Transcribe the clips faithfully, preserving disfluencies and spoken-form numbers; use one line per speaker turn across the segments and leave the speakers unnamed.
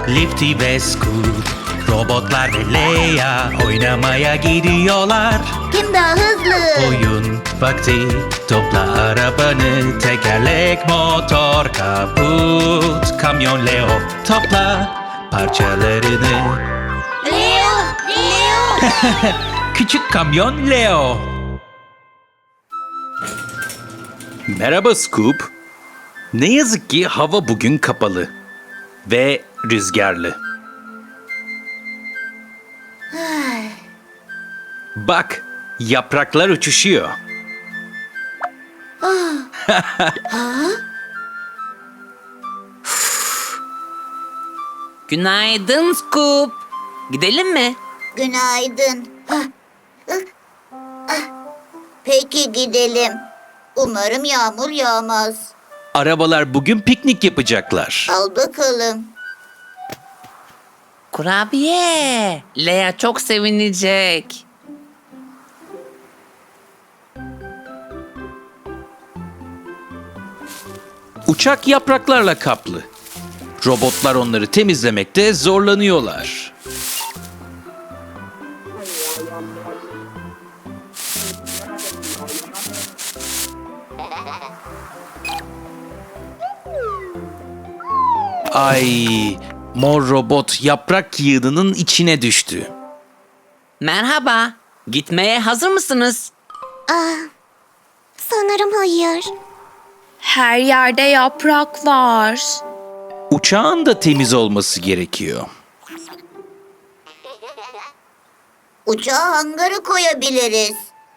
Lifty ve Scoot, robotlar ve Leia oynamaya gidiyorlar.
Kim daha hızlı?
Oyun vakti, topla arabanı, tekerlek, motor, kaput, kamyon Leo, topla parçalarını.
Leo! Leo!
Küçük kamyon Leo. Merhaba Scoop. Ne yazık ki hava bugün kapalı ve rüzgarlı. Bak, yapraklar uçuşuyor.
Günaydın Scoop. Gidelim mi?
Günaydın. Hah, ıh, ah. Peki gidelim. Umarım yağmur yağmaz.
Arabalar bugün piknik yapacaklar.
Al bakalım.
Kurabiye. Lea çok sevinecek.
Uçak yapraklarla kaplı. Robotlar onları temizlemekte zorlanıyorlar. Ay, mor robot yaprak yığınının içine düştü.
Merhaba. Gitmeye hazır mısınız?
Sanırım hayır.
Her yerde yaprak var.
Uçağın da temiz olması gerekiyor.
Uçağı hangara koyabiliriz.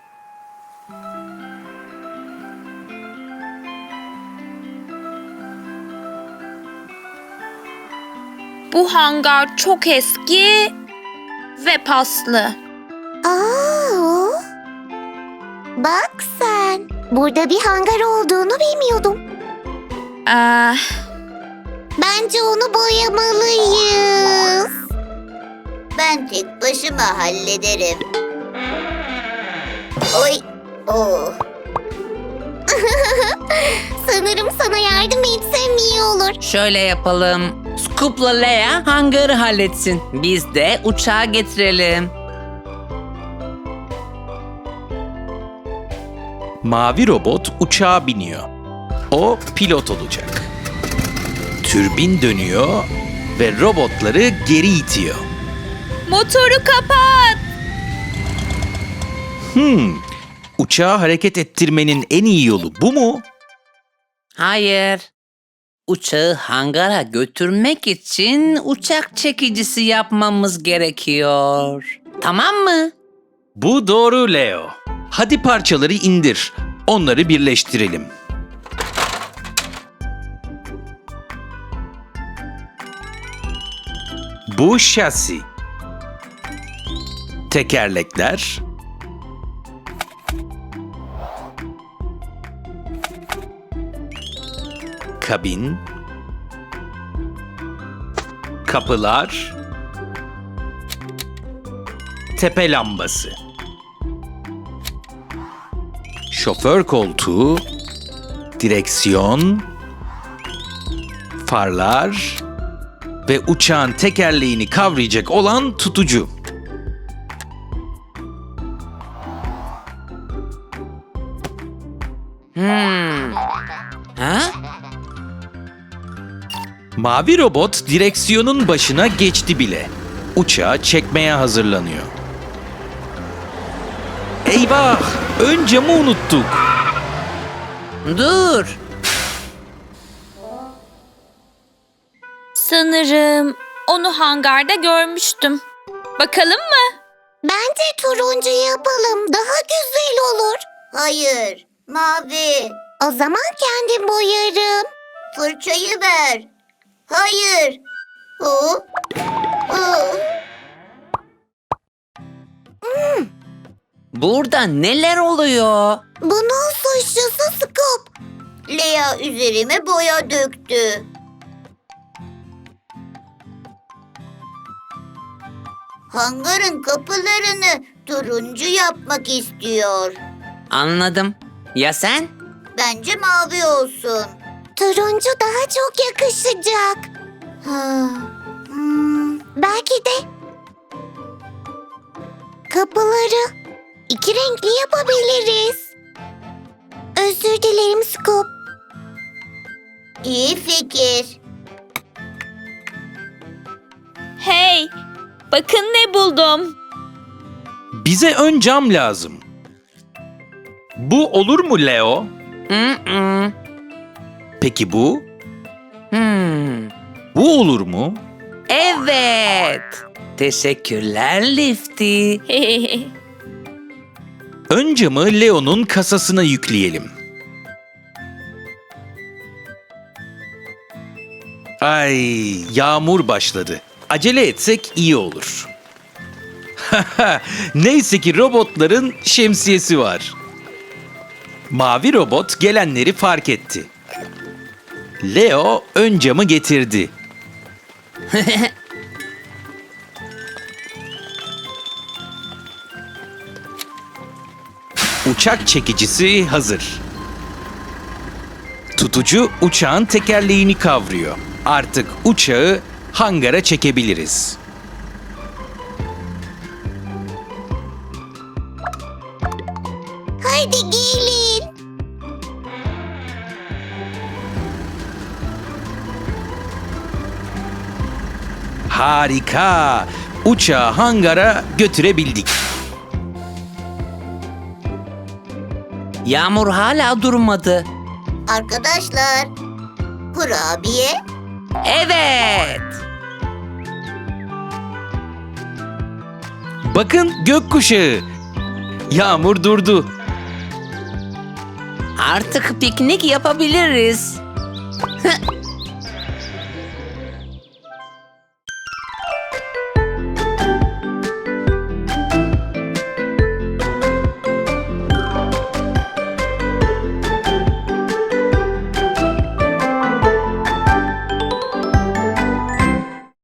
Bu hangar çok eski ve paslı.
Aa, bak sen. Burada bir hangar olduğunu bilmiyordum.
Ee,
Bence onu boyamalıyız. Ben tek başıma hallederim. Oy. Oh. Sanırım sana yardım etsem iyi olur.
Şöyle yapalım. Scoop'la Lea hangarı halletsin. Biz de uçağı getirelim.
Mavi robot uçağa biniyor. O pilot olacak. Türbin dönüyor ve robotları geri itiyor.
motoru kapat.
Hmm, uçağı hareket ettirmenin en iyi yolu bu mu?
Hayır. Uçağı hangara götürmek için uçak çekicisi yapmamız gerekiyor. Tamam mı?
Bu doğru Leo. Hadi parçaları indir. Onları birleştirelim. Bu şasi. Tekerlekler. Kabin. Kapılar. Tepe lambası. Şoför koltuğu, direksiyon, farlar ve uçağın tekerleğini kavrayacak olan tutucu.
Hmm. Ha?
Mavi robot direksiyonun başına geçti bile. Uçağı çekmeye hazırlanıyor. Eyvah! Ön camı unuttuk.
Dur.
Sanırım onu hangarda görmüştüm. Bakalım mı?
Bence turuncu yapalım. Daha güzel olur. Hayır. Mavi. O zaman kendim boyarım. Fırçayı ver. Hayır. Oh. Oh.
Burada neler oluyor?
Bunun suçlusu Scoop. Lea üzerime boya döktü. Hangarın kapılarını turuncu yapmak istiyor.
Anladım. Ya sen?
Bence mavi olsun. Turuncu daha çok yakışacak. Ha, Hmm, belki de kapıları iki renkli yapabiliriz. Özür dilerim Scoop. İyi fikir.
Hey, bakın ne buldum.
Bize ön cam lazım. Bu olur mu Leo?
Mm-mm.
Peki bu?
Hmm.
Bu olur mu?
Evet. Teşekkürler Lifty.
Ön camı Leo'nun kasasına yükleyelim. Ay, yağmur başladı. Acele etsek iyi olur. Neyse ki robotların şemsiyesi var. Mavi robot gelenleri fark etti. Leo ön camı getirdi. Uçak çekicisi hazır. Tutucu uçağın tekerleğini kavruyor. Artık uçağı hangara çekebiliriz.
Haydi gelin.
Harika! Uçağı hangara götürebildik.
Yağmur hala durmadı.
Arkadaşlar, kurabiye.
Evet.
Bakın gökkuşağı. Yağmur durdu.
Artık piknik yapabiliriz.